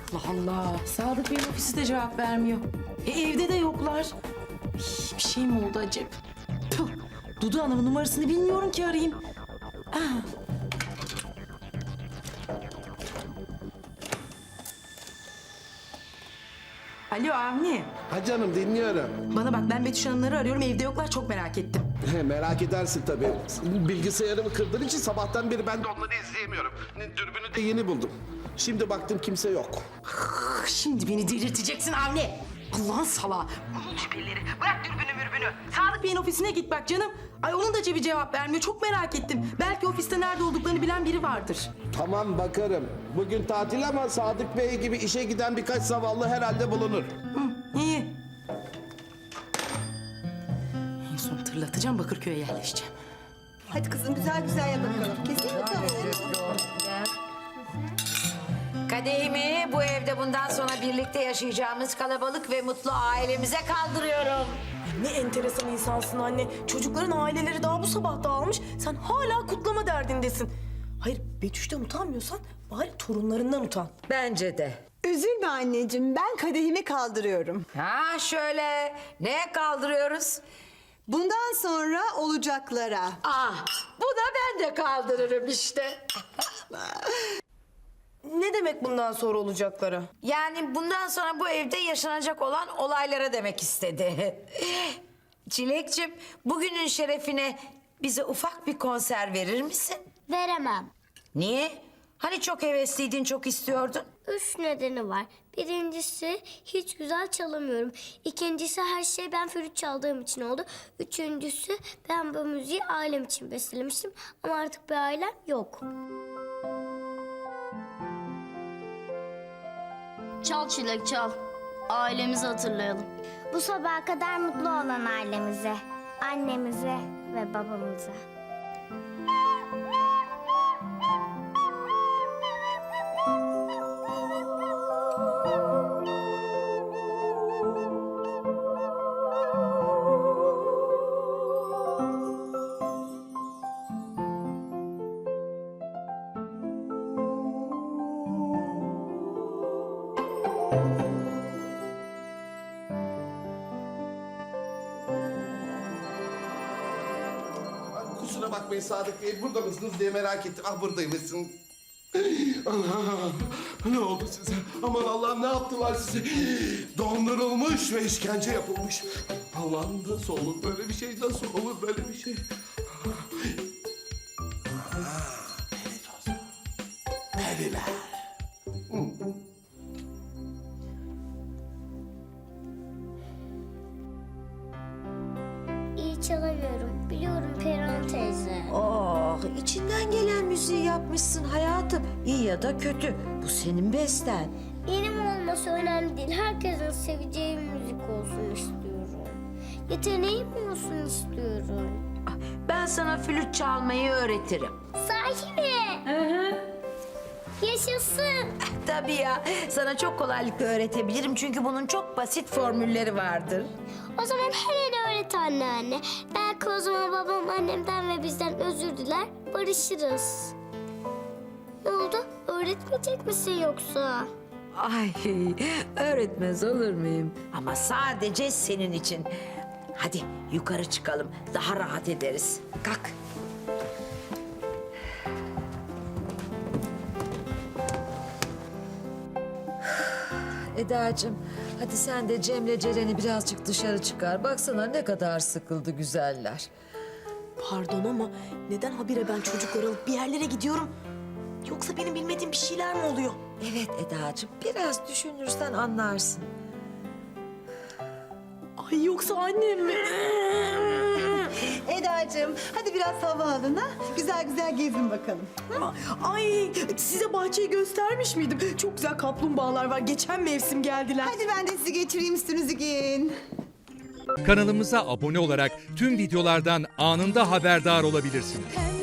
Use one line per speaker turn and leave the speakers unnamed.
Allah Allah. Sadık Bey'in ofisi de cevap vermiyor. Evde de yoklar. Bir şey mi oldu acaba? Tüh, Dudu Hanım'ın numarasını bilmiyorum ki arayayım. Alo Avni.
Ha canım, dinliyorum.
Bana bak, ben Betüş Hanımları arıyorum, evde yoklar, çok merak ettim.
Merak edersin tabii. Bilgisayarımı kırdığın için sabahtan beri ben de onları izleyemiyorum. Dürbünü de yeni buldum. Şimdi baktım kimse yok.
Şimdi beni delirteceksin Avni. Allah'ın salağı. Unut şüpheleri. Bırak dürbünü mürbünü. Sadık Bey'in ofisine git bak canım. Ay onun da cebi cevap vermiyor. Çok merak ettim. Belki ofiste nerede olduklarını bilen biri vardır.
Tamam, bakarım. Bugün tatil ama Sadık Bey gibi işe giden birkaç zavallı herhalde bulunur.
İyi. En son tırlatacağım, Bakırköy'e yerleşeceğim.
Hadi kızım güzel güzel yap bakalım. Kesin mi tavuğu?
Kadehimi bu evde bundan sonra birlikte yaşayacağımız kalabalık ve mutlu ailemize kaldırıyorum.
Ne enteresan insansın anne. Çocukların aileleri daha bu sabah dağılmış. Sen hala kutlama derdindesin. Hayır, Betüş'ten utanmıyorsan bari torunlarından utan.
Bence de.
Üzülme anneciğim, ben kadehimi kaldırıyorum.
Ha şöyle, neye kaldırıyoruz?
Bundan sonra olacaklara.
Ah, buna ben de kaldırırım işte.
Ne demek bundan sonra olacaklara?
Yani bundan sonra bu evde yaşanacak olan olaylara demek istedi. Çilekçim, bugünün şerefine bize ufak bir konser verir misin?
Veremem.
Niye? Hani çok hevesliydin, çok istiyordun?
3 nedeni var. Birincisi hiç güzel çalamıyorum. İkincisi her şey ben flüt çaldığım için oldu. Üçüncüsü ben bu müziği ailem için bestelemiştim. Ama artık bir ailem yok.
Çal Çilek çal. Ailemizi hatırlayalım.
Bu sabaha kadar mutlu olan ailemize, annemize ve babamıza.
Kusura bakmayın Sadık Bey, burada mısınız diye merak ettim. Ah, buradaymışsın. Ana, ne oldu size? Aman Allah'ım, ne yaptılar size? Dondurulmuş ve işkence yapılmış. Allah'ım, nasıl olur böyle bir şey? Nasıl olur böyle bir şey? Peri tozu. Periler.
İyi çalamıyorum. Biliyorum Perihan teyze.
Oh, içinden gelen müziği yapmışsın hayatım. İyi ya da kötü. Bu senin besten.
Benim olması önemli değil. Herkesin seveceği müzik olsun istiyorum. Yeteneğim olsun istiyorum.
Ben sana flüt çalmayı öğretirim.
Sahi mi? Yaşasın.
Tabii ya. Sana çok kolaylıkla öğretebilirim çünkü bunun çok basit formülleri vardır.
O zaman hemen öğret anneanne. Belki o zaman babam annemden ve bizden özür diler, barışırız. Ne oldu? Öğretmeyecek misin yoksa?
Ay, öğretmez olur muyum? Ama sadece senin için. Hadi yukarı çıkalım. Daha rahat ederiz. Kalk.
Edacığım, hadi sen de Cem'le Ceren'i birazcık dışarı çıkar. Baksana ne kadar sıkıldı güzeller.
Pardon ama neden habire ben çocukları alıp bir yerlere gidiyorum? Yoksa benim bilmediğim bir şeyler mi oluyor?
Evet Edacığım, biraz düşünürsen anlarsın.
Ay yoksa annem mi?
Edacığım, hadi biraz hava alın ha. Güzel güzel gezin bakalım.
Ay size bahçeyi göstermiş miydim? Çok güzel kaplumbağalar var. Geçen mevsim geldiler.
Hadi ben de sizi geçireyim, üstünüzü giyin.
Kanalımıza abone olarak tüm videolardan anında haberdar olabilirsiniz.